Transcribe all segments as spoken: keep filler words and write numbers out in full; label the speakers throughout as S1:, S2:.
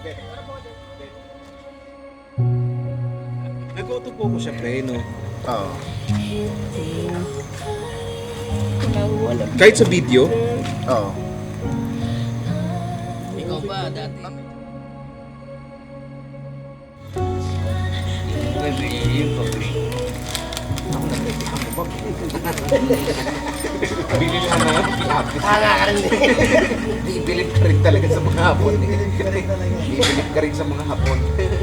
S1: Nag-auto po ko siya, pre, no?
S2: Oo.
S1: Kahit sa video?
S2: Oo.
S3: Ikaw ba dati? Yung pabili.
S1: Bili na mga pinapis.
S3: Tanga ka rin.
S1: Bibilib ka rin talaga sa mga hapon. Bibilib ka rin sa mga hapon.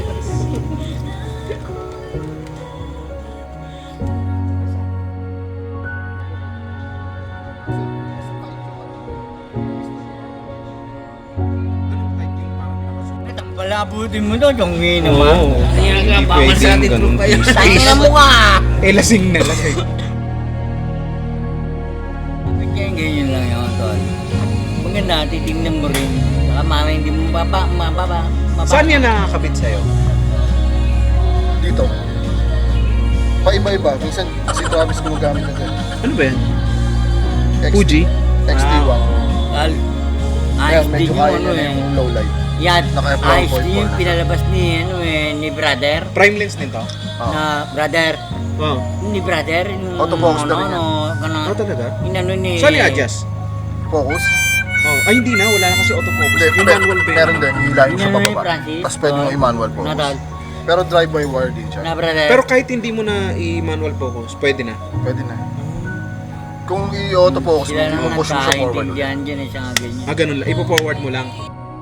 S3: Palabutin mo doon, yung naman.
S1: Oo.
S3: Kaya nga,
S1: Hindi
S3: bawal sa
S1: pwedeng
S3: atin
S1: ganun.
S3: kayo.
S1: Use
S3: Tayo
S1: case.
S3: na mo ka!
S1: Eh, lasing na, lasing.
S3: Ganyan, ganyan lang yun, tol. Maganda, titignan mo rin. Saka mama, hindi mo mababa, mababa, mababa.
S1: Saan yan nakakabit sa'yo?
S2: Dito. Pa-iba-iba. Minsan, si Travis gumagamit na dyan.
S1: Ano ba yan?
S2: X-
S1: Fuji?
S2: X T one.
S3: Al,
S2: Kaya
S3: ayos din
S2: medyo
S3: yung
S2: kaya
S3: ano
S2: na
S3: eh.
S2: yung low light.
S3: Yan,
S2: Naka-F
S3: ayos
S2: one point
S3: din yung
S2: four.
S3: pinalabas ni, ano eh, ni brother.
S1: Prime lens din to?
S2: Oo.
S3: Na brother,
S1: Oo.
S3: ni brother, yung
S2: Autofocus na
S3: ano,
S2: rin yan.
S3: ano, ano,
S1: Oh, talaga?
S3: inano ni...
S1: Saan i-adjust?
S2: Focus.
S1: Oh, ay hindi na, wala na kasi autofocus.
S2: Hindi,
S1: Yung
S2: pe-
S1: manual ba yun?
S2: meron din. Hilahin sa
S3: Inano ni
S2: bababa.
S3: Francis.
S2: Tapos pwede mo
S3: Oh,
S2: i-manual focus.
S3: Nadal.
S2: Pero drive-by-wire din siya.
S3: Na brother.
S1: Pero kahit hindi mo na i-manual focus, pwede na.
S2: Pwede na. Kung i-autofocus,
S3: Sila
S2: hindi mo
S3: naman
S2: push mo siya forward.
S3: nagkaintindihan dyan eh, siya nga ganyan.
S1: Ah, ganun lang. Ipo-forward mo lang.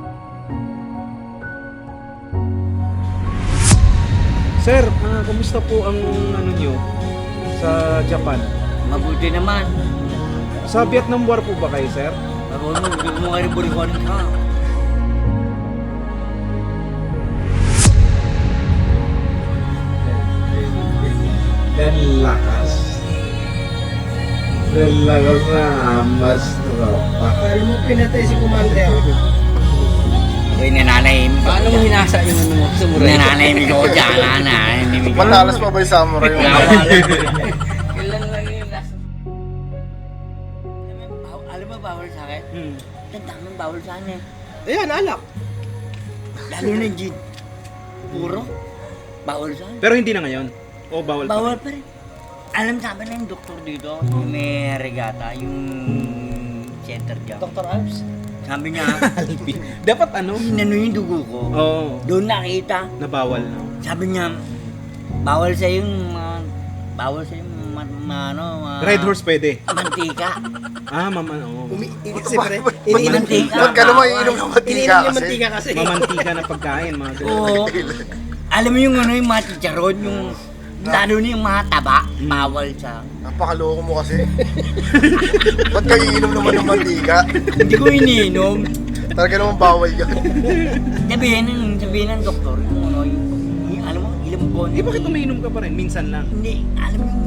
S1: Sir, ah, kumusta po ang ano nyo sa Japan?
S3: Mabuti naman.
S1: Sa Vietnam War po ba kayo, sir?
S3: Ako mo, hindi mo nga rin burikan ka.
S4: Dan lakas dan lakas na mas tropa.
S5: Paano mo pinatay si Commander?
S3: Uy, nananahimik.
S5: Paano mo hinasa yung ano mo? Samurai?
S3: Nananahimik ako dyan, nananahimik ako.
S2: Matalas pa ba yung samurai mo?
S3: Kailan lang yun last? Alam mo, bawal sa akin?
S1: Hmm.
S3: Ang daming bawal sa akin eh.
S5: Ayan, alak.
S3: Lalo na gin. Puro. Bawal sa akin.
S1: Pero hindi na ngayon. O bawal pa.
S3: Bawal pa rin. Alam sa akin na yung doktor dito, yung may regata, yung center dyan.
S5: Doctor Alps?
S3: Sabi niya,
S1: Dapat ano?
S3: inano yung dugo ko.
S1: Oo.
S3: Doon nakita.
S1: Na bawal na.
S3: Sabi niya, bawal sa yung mga, bawal sa yung ma, ma, ano, ma,
S1: Red horse pwede.
S3: mantika.
S1: Ah, mama, oo.
S5: Umi... Kasi pre,
S2: Ba't
S5: iniinom
S3: mantika?
S2: Ba't ka naman iinom ng mantika
S5: iniinom yung
S2: kasi?
S5: mantika kasi.
S1: Mamantika na pagkain, mga ganun.
S3: Oo. Alam mo yung ano, yung mga chicharon, yung, lalo na yung mga taba, bawal sa,
S2: Napakaloko mo kasi. Ba't ka iinom naman ng mantika?
S3: hindi ko iniinom.
S2: Talaga naman bawal yan.
S3: Sabihin ng, sabihin ng doktor, yung ano, yung, yung alam mo, ilang buwan.
S1: Eh, bakit umiinom ka pa rin? Minsan lang.
S3: Hindi, alam mo yung